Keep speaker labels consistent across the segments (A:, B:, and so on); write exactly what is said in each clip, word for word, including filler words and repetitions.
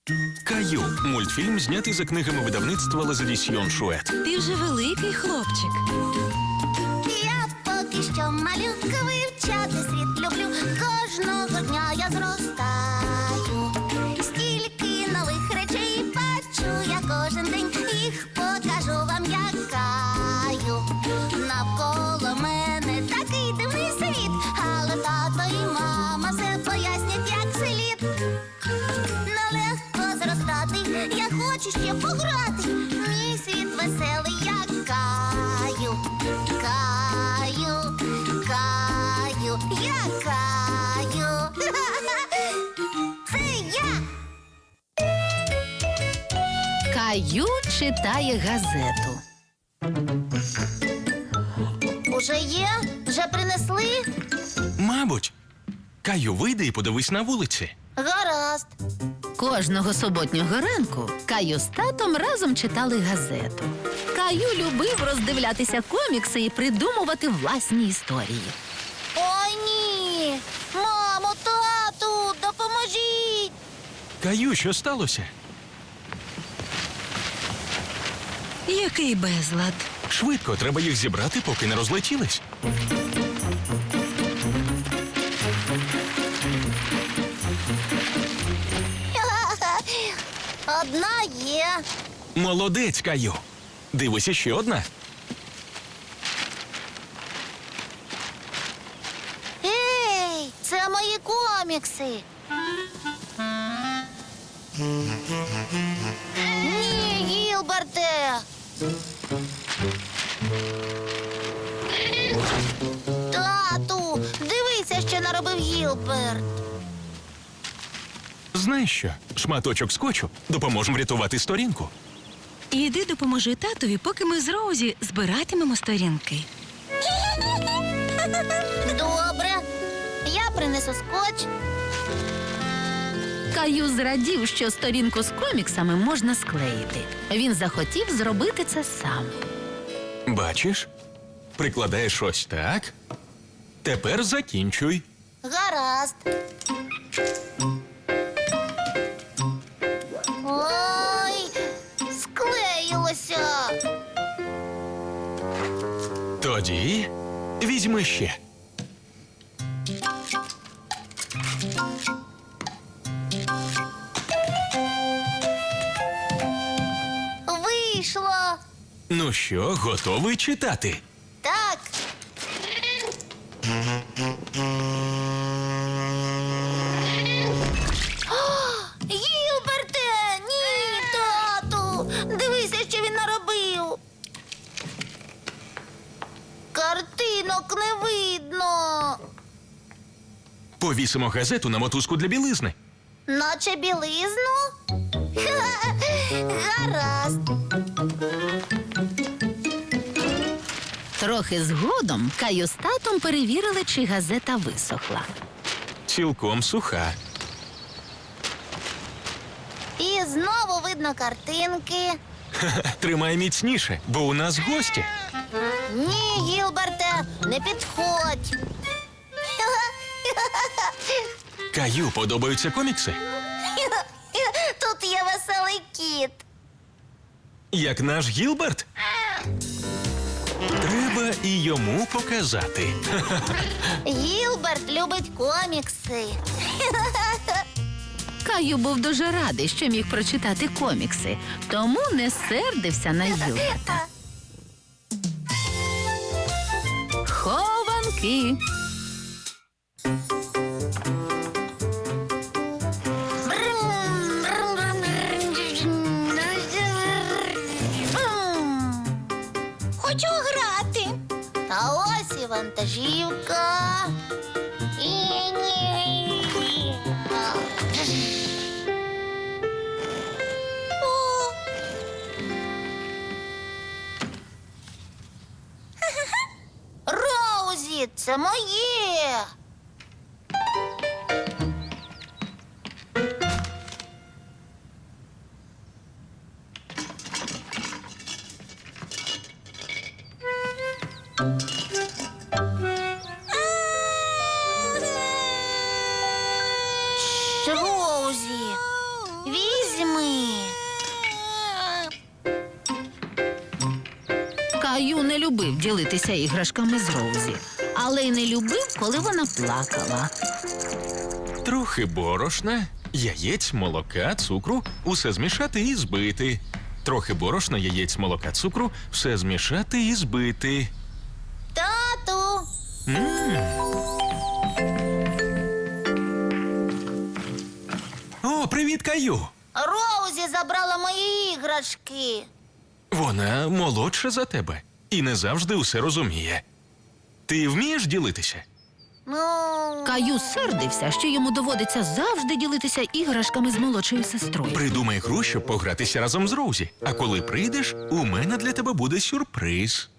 A: Каю – мультфільм, знятий за книгами видавництва Лазадісьйон Шует.
B: Ти вже великий хлопчик.
C: Я поки що малюка, вивчати світ люблю. Кожного дня я зростаю. Стільки нових речей бачу я кожен день. Їх покажу вам, як Каю. Навколо мене такий дивний світ. Але тато і мама все пояснять, як слід. Нелегко зростати, я хочу ще пограти. Мій світ веселий, як Каю. Каю, Каю, я Каю. Це я.
B: Каю читає газету.
C: Уже є? Вже принесли?
A: Мабуть. Каю, вийди і подивись на вулиці.
C: Гаразд.
B: Кожного суботнього ранку Каю з татом разом читали газету. Каю любив роздивлятися комікси і придумувати власні історії.
C: Ой, ні. Мамо, тату, допоможіть.
A: Каю, що сталося?
B: Який безлад.
A: Швидко, треба їх зібрати, поки не розлетілись.
C: Одна є.
A: Молодець, Каю. Дивися, ще одна.
C: Ей, це мої комікси. Ні, Гілберте. Тату, дивися, що наробив Гілберт.
A: Знаєш що? Шматочок скотчу допоможе врятувати сторінку.
B: Іди допоможи татові, поки ми з Роузі збиратимемо сторінки.
C: Добре, я принесу скотч.
B: Каю зрадів, що сторінку з коміксами можна склеїти. Він захотів зробити це сам.
A: Бачиш? Прикладаєш ось так. Тепер закінчуй.
C: Гаразд. Ой, склеїлося.
A: Тоді візьми ще.
C: Вийшло.
A: Ну що, готовий читати?
C: Так. О, Гілберте! Ні, тату! Дивися, що він наробив. Картинок не видно.
A: Повісимо газету на мотузку для білизни.
C: Наче білизну? Ха, гаразд.
B: Трохи згодом Каю з татом перевірили, чи газета висохла.
A: Цілком суха.
C: І знову видно картинки.
A: Тримай міцніше, бо у нас гості.
C: Ні, Гілберте, не підходь.
A: Каю подобаються комікси?
C: Тут є веселий кіт.
A: Як наш Гілберт? Треба і йому показати.
C: Гілберт любить комікси.
B: Каю був дуже радий, що міг прочитати комікси, тому не сердився на Гілберта. Хованки.
C: Хочу грати. А ось і вантажівка. О. Роузі, це моє. Роузі, візьми.
B: Каю не любив ділитися іграшками з Роузі, але й не любив, коли вона плакала.
A: Трохи борошна, яєць, молока, цукру, усе змішати і збити. Трохи борошна, яєць, молока, цукру, все змішати і збити.
C: Тату!
A: О, привіт, Каю!
C: Роузі забрала мої іграшки.
A: Вона молодша за тебе і не завжди усе розуміє. Ти вмієш ділитися?
C: Ну,
B: Каю сердився, що йому доводиться завжди ділитися іграшками з молодшою сестрою.
A: Придумай гру, щоб погратися разом з Роузі. А коли прийдеш, у мене для тебе буде сюрприз.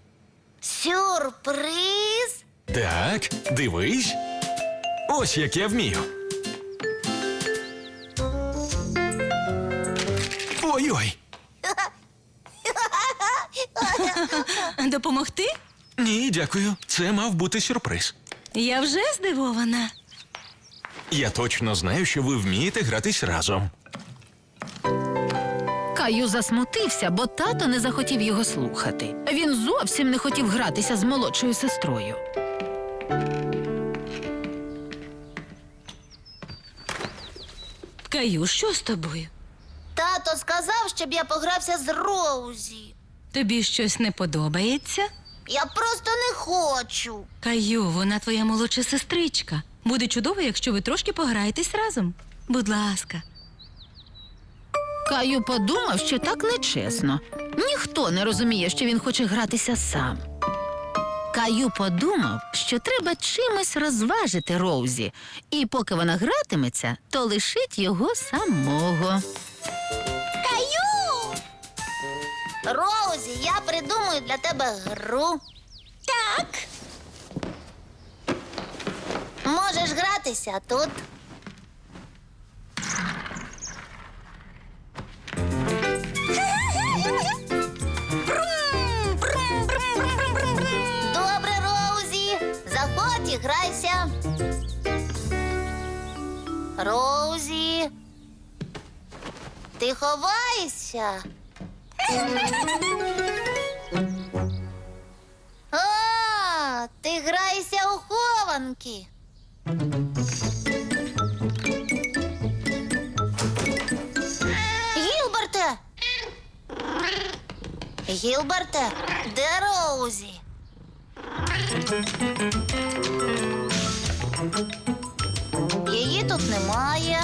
C: сюрприз?
A: Так, дивись. Ось як я вмію. Ой-ой.
D: Допомогти?
A: Ні, дякую. Це мав бути сюрприз.
D: Я вже здивована.
A: Я точно знаю, що ви вмієте гратись разом.
B: Каю засмутився, бо тато не захотів його слухати. Він зовсім не хотів гратися з молодшою сестрою.
D: Каю, що з тобою?
C: Тато сказав, щоб я погрався з Роузі.
D: Тобі щось не подобається?
C: Я просто не хочу.
D: Каю, вона твоя молодша сестричка. Буде чудово, якщо ви трошки пограєтесь разом. Будь ласка.
B: Каю подумав, що так нечесно. Ніхто не розуміє, що він хоче гратися сам. Каю подумав, що треба чимось розважити Роузі, і поки вона гратиметься, то лишить його самого.
C: Каю! Роузі, я придумаю для тебе гру. Так. Можеш гратися тут. Добре, Роузі. Заходь і грайся. Роузі. Ти ховаєшся? А, ти граєшся у хованки. Гілберте! Гілберте, де Роузі? Її тут немає.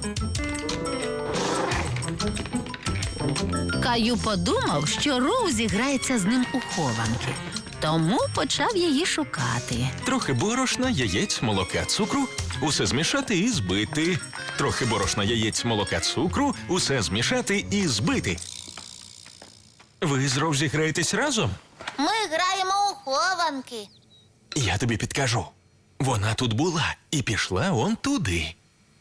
B: Каю подумав, що Роузі грається з ним у хованки, тому почав її шукати.
A: Трохи борошна, яєць, молока, цукру, усе змішати і збити. Трохи борошна, яєць, молока, цукру, усе змішати і збити. Ви з Роузі граєтесь разом?
C: Ми граємо у хованки.
A: Я тобі підкажу. Вона тут була і пішла он туди.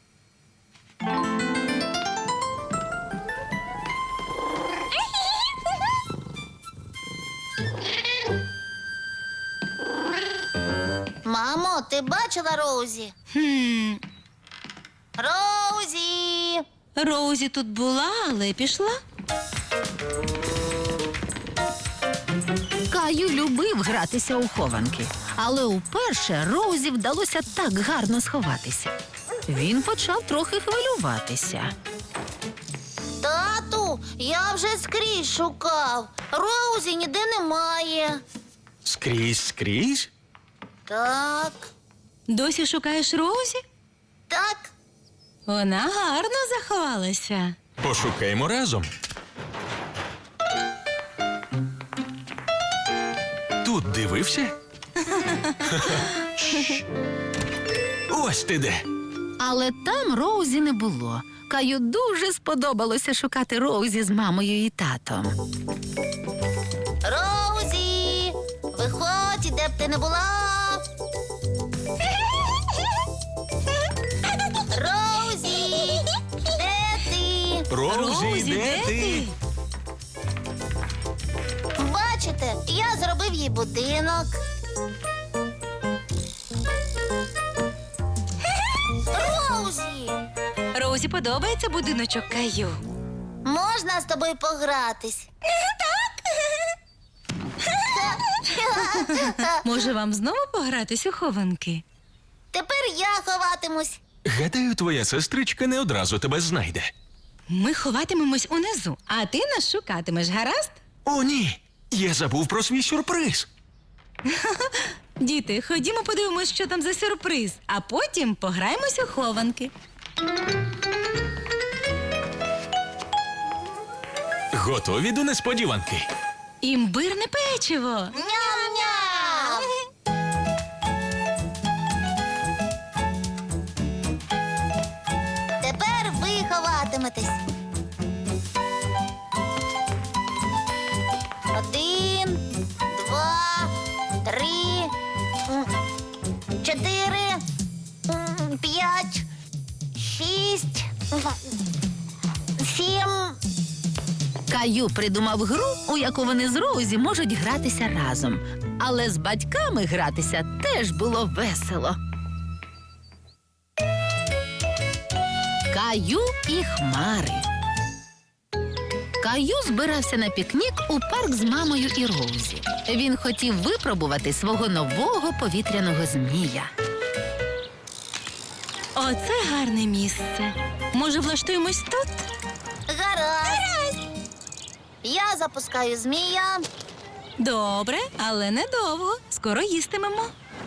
C: Мамо, ти бачила Роузі?
D: Хм.
C: Роузі!
D: Роузі тут була, але пішла.
B: Каю любив гратися у хованки, але уперше Роузі вдалося так гарно сховатися. Він почав трохи хвилюватися.
C: Тату, я вже скрізь шукав. Роузі ніде немає.
A: Скрізь, скрізь?
C: Так,
D: Досі шукаєш Роузі?
C: так.
D: Вона гарно заховалася.
A: Пошукаємо разом. Тут дивився? Шш. Ось ти де.
B: Але там Роузі не було. Каю дуже сподобалося шукати Роузі з мамою і татом.
C: Роузі! Виходь, де б ти не була. Роузі! Де ти?
A: Роузі, де ти?
C: Бачите, я зробив їй будинок. Роузі!
D: Роузі подобається будиночок Каю.
C: Можна з тобою погратись? Так.
D: Може, вам знову погратись у хованки?
C: Тепер я ховатимусь.
A: Гадаю, твоя сестричка не одразу тебе знайде.
D: Ми ховатимемось унизу, а ти нас шукатимеш, гаразд?
A: О, ні! Я забув про свій сюрприз.
D: Діти, ходімо подивимось, що там за сюрприз, а потім пограємось у хованки.
A: Готові до несподіванки?
D: Імбирне печиво.
C: Ням-ням! Тепер ви ховатиметесь. Один, два, три, м, чотири, м, п'ять, шість, м, сім.
B: Каю придумав гру, у яку вони з Роузі можуть гратися разом. Але з батьками гратися теж було весело. Каю і хмари. Каю збирався на пікнік у парк з мамою і Роузі. Він хотів випробувати свого нового повітряного змія.
D: Оце гарне місце. Може, влаштуємось тут?
C: Гаразд. Я запускаю змія.
D: Добре, але недовго. Скоро їстимемо.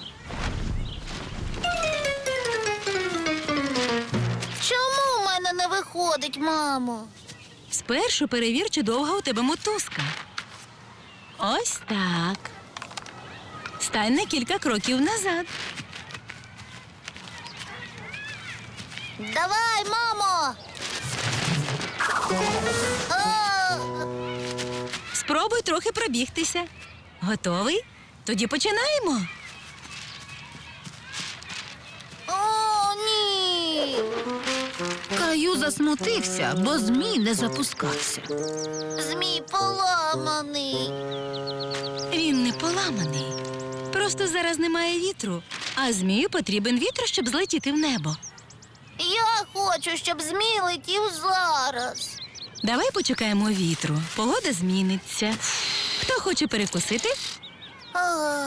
C: Чому в мене не виходить, мамо?
D: Спершу перевір, чи довга у тебе мотузка. Ось так. Стань на кілька кроків назад.
C: Давай, мамо. О,
D: Спробуй трохи пробігтися. Готовий? Тоді починаємо.
C: о, ні.
B: Каю засмутився, бо змій не запускався.
C: Змій поламаний.
D: Він не поламаний. Просто зараз немає вітру, а змію потрібен вітер, щоб злетіти в небо.
C: Я хочу, щоб змій летів зараз.
D: Давай почекаємо вітру. Погода зміниться. Хто хоче перекусити?
C: О,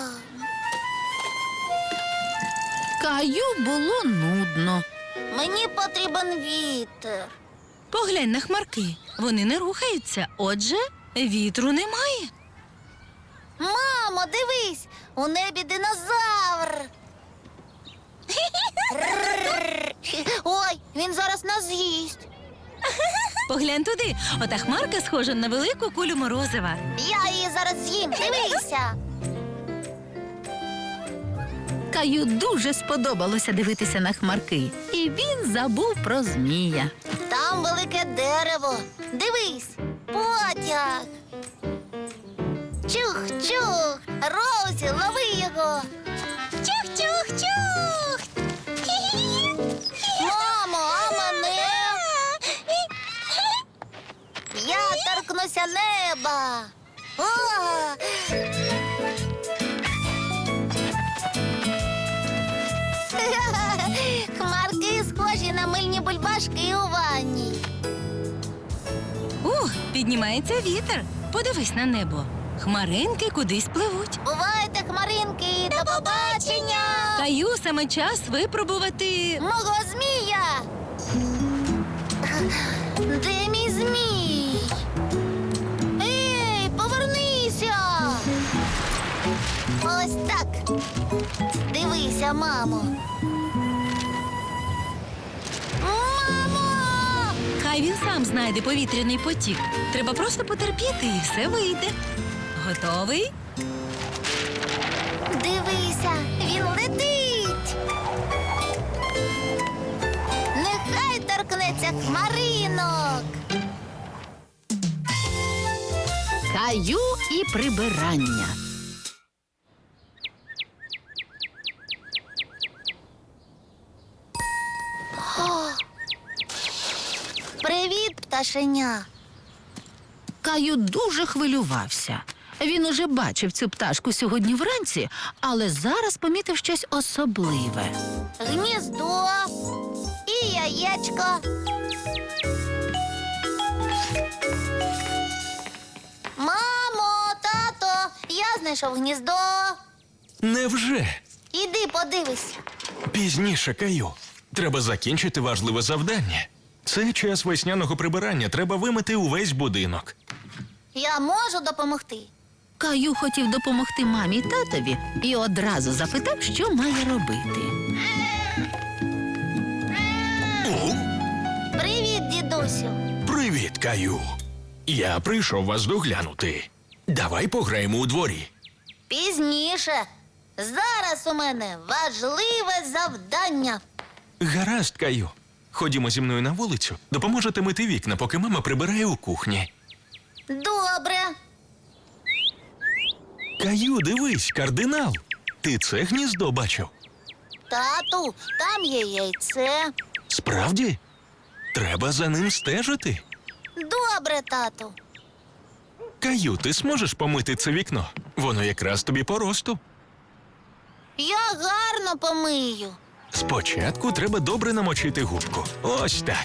B: Каю було нудно.
C: мені потрібен вітер.
D: Поглянь на хмарки. Вони не рухаються, отже, вітру немає.
C: Мамо, дивись, у небі динозавр. Рррр. Ой, він зараз нас з'їсть.
D: Поглянь туди. Ота хмарка схожа на велику кулю морозива.
C: Я її зараз з'їм. Дивися.
B: Каю дуже сподобалося дивитися на хмарки, і він забув про змія.
C: Там велике дерево. Дивись, потяг. Чух-чух. Роузі, лови його. Чух-чух-чух. Мамо, а мене? Я торкнуся неба. О! Хмарки схожі на мильні бульбашки у ванні.
D: Ух, піднімається вітер. Подивись на небо. Хмаринки кудись пливуть.
C: Бувайте, хмаринки, до побачення!
D: Каю, саме час випробувати.
C: Мого змія! Де мій змій? Ей, повернися! Ось так. Дивися, мамо. Мамо!
D: Хай він сам знайде повітряний потік. Треба просто потерпіти і все вийде. Готовий?
C: Дивися, він летить. Нехай торкнеться хмаринок.
B: Каю і прибирання.
C: Привіт, пташеня.
B: Каю дуже хвилювався. Він уже бачив цю пташку сьогодні вранці, але зараз помітив щось особливе.
C: Гніздо і яєчко. Мамо, тато, я знайшов знайшов гніздо.
A: Невже?
C: Іди подивися.
A: Пізніше, Каю. Треба закінчити важливе завдання. Це час весняного прибирання. Треба вимити увесь будинок.
C: Я можу допомогти.
B: Каю хотів допомогти мамі й татові і одразу запитав, що має робити.
A: О,
C: Привіт, дідусю.
A: привіт, Каю. Я прийшов вас доглянути. Давай пограємо у дворі.
C: Пізніше. Зараз у мене важливе завдання.
A: Гаразд, Каю. Ходімо зі мною на вулицю. Допоможете мити вікна, поки мама прибирає у кухні.
C: Добре.
A: Каю, дивись, кардинал. Ти це гніздо бачив?
C: Тату, там є яйце.
A: Справді? Треба за ним стежити.
C: Добре, тату.
A: Каю, ти зможеш помити це вікно? Воно якраз тобі по росту.
C: Я гарно помию.
A: Спочатку треба добре намочити губку. Ось так.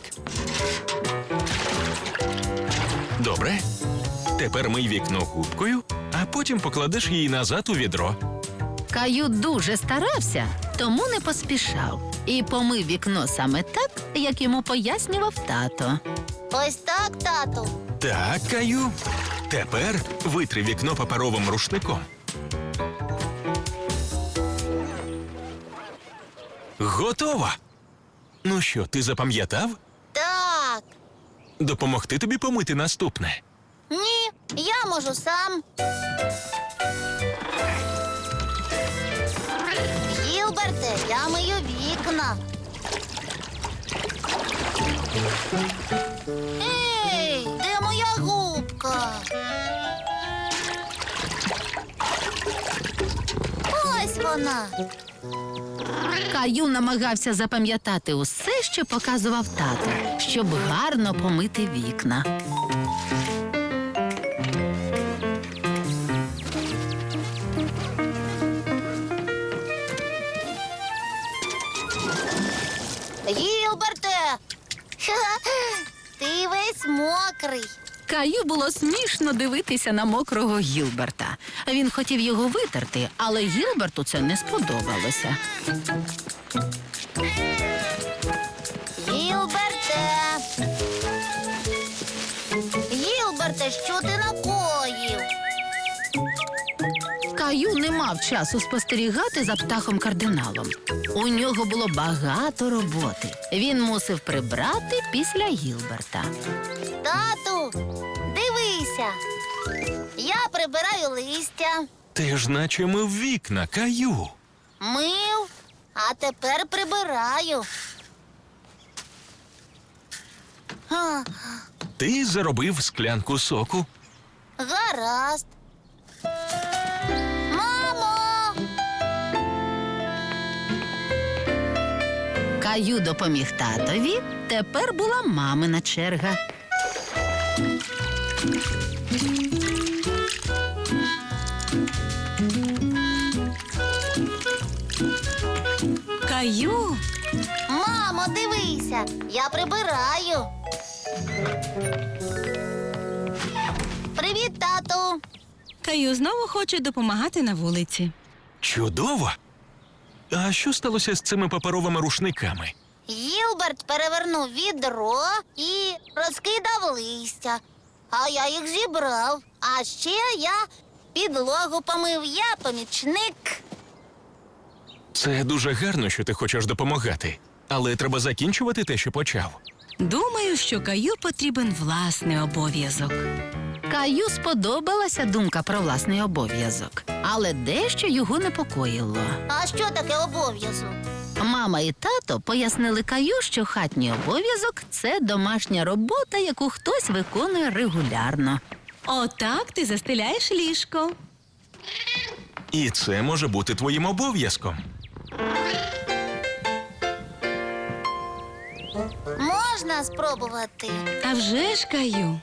A: Добре. Тепер мий вікно губкою, а потім покладеш її назад у відро.
B: Каю дуже старався, тому не поспішав. І помив вікно саме так, як йому пояснював тато.
C: Ось так, тату.
A: Так, Каю. Тепер витри вікно паперовим рушником. Готово. Ну що, ти запам'ятав?
C: Так.
A: Допомогти тобі помити наступне.
C: Ні, я можу сам. Гілберте, я мию вікна. Ей, де моя губка? Ось вона.
B: Каю намагався запам'ятати усе, що показував тато, щоб гарно помити вікна.
C: Гілберте! Ха-ха, ти весь мокрий.
B: Каю було смішно дивитися на мокрого Гілберта. Він хотів його витерти, але Гілберту це не сподобалося.
C: Гілберте! Гілберте, що ти накоїв?
B: Каю не мав часу спостерігати за птахом-кардиналом. У нього було багато роботи. Він мусив прибрати після Гілберта.
C: Тату, дивися. Я прибираю листя,
A: Ти ж наче мив вікна, Каю.
C: мив, а тепер прибираю. А,
A: Ти заробив склянку соку.
C: гаразд. Мамо!
B: Каю допоміг татові, тепер була мамина черга.
D: Каю,
C: Мамо, дивися, я прибираю. Привіт, тату.
D: Каю знову хоче допомагати на вулиці.
A: Чудово. А що сталося з цими паперовими рушниками?
C: Гілберт перевернув відро і розкидав листя. А я їх зібрав. А ще я підлогу помив, я помічник.
A: Це дуже гарно, що ти хочеш допомагати. Але треба закінчувати те, що почав.
D: Думаю, що Каю потрібен власний обов'язок.
B: Каю сподобалася думка про власний обов'язок, але дещо його непокоїло.
C: А що таке обов'язок?
B: Мама і тато пояснили Каю, що хатній обов'язок – це домашня робота, яку хтось виконує регулярно.
D: Отак ти застеляєш ліжко.
A: І це може бути твоїм обов'язком.
C: Можна спробувати?
D: А вже ж, Каю.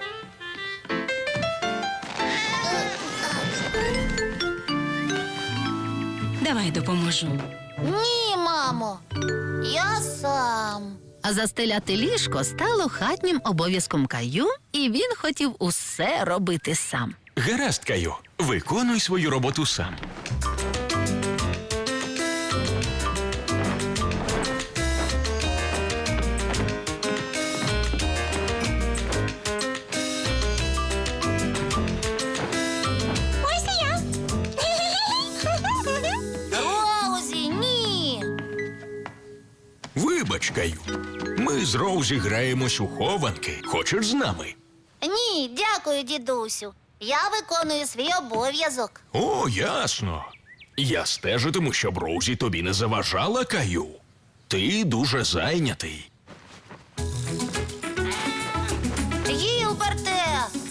D: Давай допоможу.
C: Ні, мамо. Я сам.
B: А застеляти ліжко стало хатнім обов'язком Каю, і він хотів усе робити сам.
A: Гаразд, Каю. Виконуй свою роботу сам.
C: Ось і я. Роузі, ні.
A: Вибач, Каю. Ми з Роузі граємось у хованки. Хочеш з нами?
C: Ні, дякую, дідусю. Я виконую свій обов'язок.
A: О, ясно. Я стежитиму, щоб Роузі тобі не заважала, Каю. Ти дуже зайнятий.
C: Гілберте!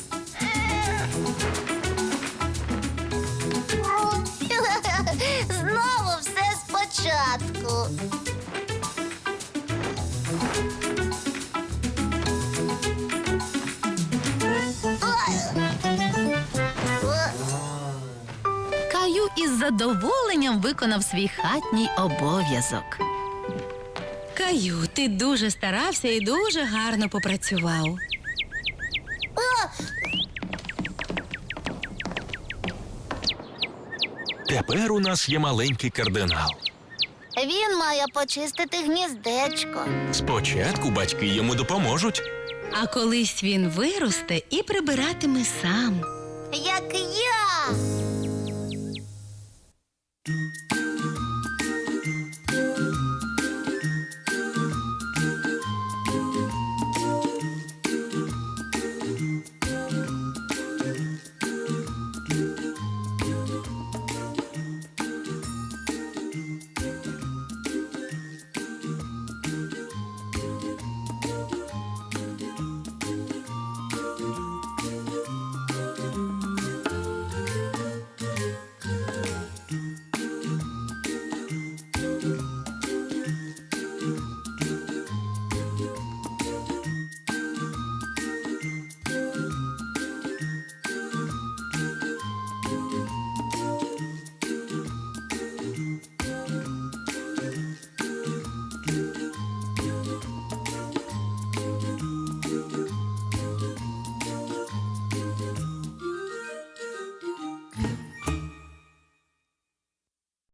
C: Знову все спочатку.
B: Каю із задоволенням виконав свій хатній обов'язок.
D: Каю, ти дуже старався і дуже гарно попрацював.
A: Тепер у нас є маленький кардинал.
C: Він має почистити гніздечко.
A: Спочатку батьки йому допоможуть.
D: А колись він виросте і прибиратиме сам.
C: Як я.